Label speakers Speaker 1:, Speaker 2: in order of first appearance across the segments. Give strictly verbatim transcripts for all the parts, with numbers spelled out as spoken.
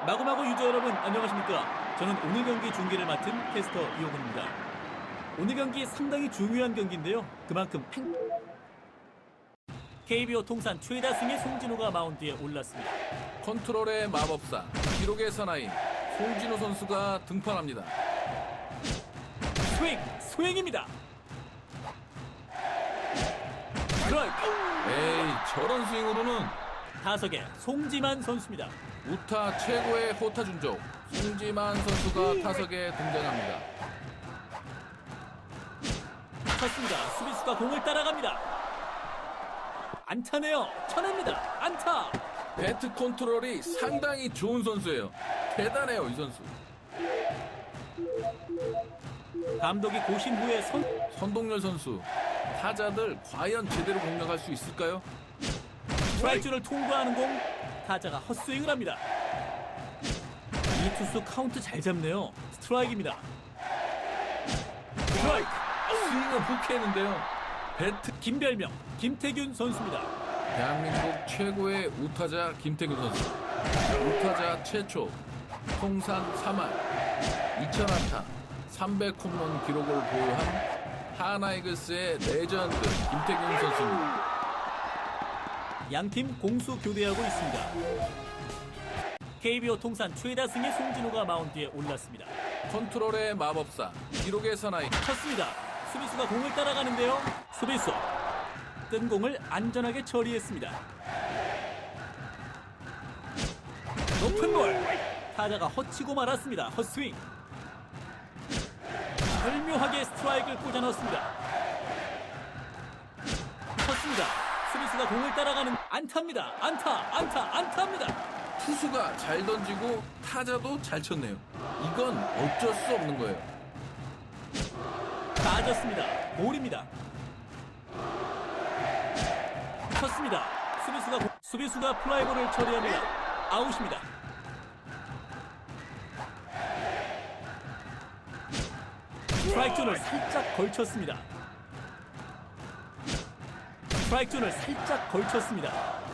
Speaker 1: 마구마구 유저 여러분 안녕하십니까. 저는 오늘 경기 중계를 맡은 캐스터 이호근입니다. 오늘 경기 상당히 중요한 경기인데요. 그만큼 팽... 케이비오 통산 최다 승의 송진호가 마운드에 올랐습니다.
Speaker 2: 컨트롤의 마법사, 기록의 사나이 송진호 선수가 등판합니다.
Speaker 1: 스윙! 스윙입니다. 스트라이크!
Speaker 2: 에이, 저런 스윙으로는
Speaker 1: 타석에 송지만 선수입니다.
Speaker 2: 우타 최고의 호타 준족 송지만 선수가 타석에 등장합니다.
Speaker 1: 쳤습니다. 수비수가 공을 따라갑니다. 안타네요. 쳐냅니다. 안타!
Speaker 2: 배트 컨트롤이 상당히 좋은 선수예요. 대단해요, 이 선수.
Speaker 1: 감독이 고심 후에 선...
Speaker 2: 선동열 선수, 타자들 과연 제대로 공략할 수 있을까요?
Speaker 1: 스트라이크를 통과하는 공, 타자가 헛스윙을 합니다. 이 투수 카운트 잘 잡네요. 스트라이크입니다. 스트라이크!
Speaker 2: 스윙은 훅했는데요. 배트
Speaker 1: 김별명, 김태균 선수입니다.
Speaker 2: 대한민국 최고의 우타자 김태균 선수. 우타자 최초 통산 삼 할 이천 안타 삼백 홈런 기록을 보유한 하나이글스의 레전드 김태균 선수입니다.
Speaker 1: 양팀 공수 교대하고 있습니다. 케이비오 통산 최다 승의 송진호가 마운드에 올랐습니다.
Speaker 2: 컨트롤의 마법사, 기록의 사나이.
Speaker 1: 쳤습니다. 수비수가 공을 따라가는데요. 수비수 뜬 공을 안전하게 처리했습니다. 높은 볼, 타자가 헛치고 말았습니다. 헛스윙. 절묘하게 스트라이크를 꽂아 넣었습니다. 쳤습니다. 수비수가 공을 따라가는 안타입니다. 안타, 안타, 안타입니다.
Speaker 2: 투수가 잘 던지고 타자도 잘 쳤네요. 이건 어쩔 수 없는 거예요.
Speaker 1: 빠졌습니다. 볼입니다. 쳤습니다. 수비수가 공... 수비수가 플라이볼을 처리합니다. 아웃입니다. 스트라이크 존을 살짝 걸쳤습니다. 스트라이크 존을 살짝 걸쳤습니다.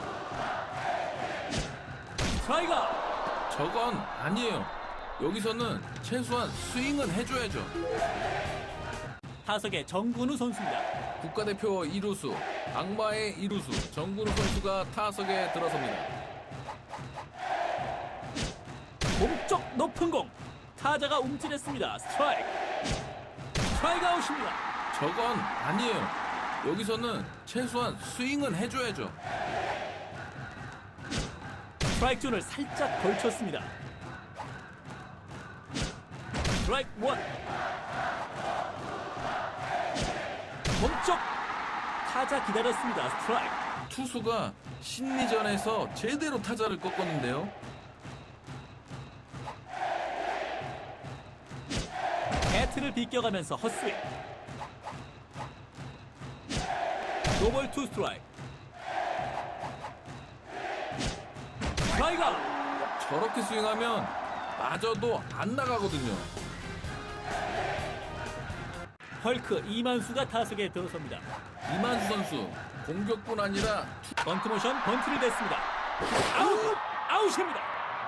Speaker 1: 스트라이크!
Speaker 2: 저건 아니에요. 여기서는 최소한 스윙은 해줘야죠.
Speaker 1: 타석의 정근우 선수입니다.
Speaker 2: 국가대표 이 루수, 악마의 이 루수 정근우 선수가 타석에 들어섭니다.
Speaker 1: 몸쪽 높은 공, 타자가 움찔했습니다. 스트라이크. 스트라이크 아웃입니다.
Speaker 2: 저건 아니에요. 여기서는 최소한 스윙은 해줘야죠.
Speaker 1: 스트라이크 존을 살짝 걸쳤습니다. 스트라이크 원. 몸쪽 타자 기다렸습니다. 스트라이크.
Speaker 2: 투수가 심리전에서 제대로 타자를 꺾었는데요.
Speaker 1: 배트를 비껴가면서 헛스윙. 노볼 투 스트라이크. 스트라이크.
Speaker 2: 저렇게 스윙하면 맞아도 안 나가거든요.
Speaker 1: 헐크 이만수가 타석에 들어섭니다.
Speaker 2: 이만수 선수 공격뿐 아니라
Speaker 1: 번트 모션 번트를 냈습니다. 아웃! 아웃입니다.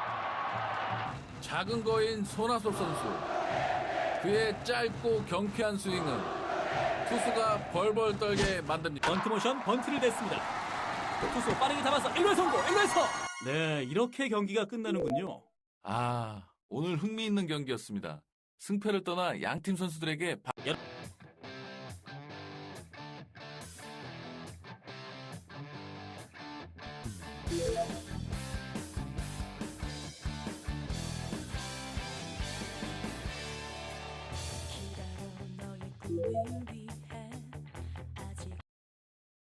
Speaker 2: 작은 거인 손아섭 선수, 그의 짧고 경쾌한 스윙은 투수가 벌벌 떨게 만듭니다.
Speaker 1: 번트 모션 번트를 냈습니다. 투수 빠르게 잡아서 일 루 성공. 일 루에서 네, 이렇게 경기가 끝나는군요.
Speaker 2: 아, 오늘 흥미있는 경기였습니다. 승패를 떠나 양팀 선수들에게 바...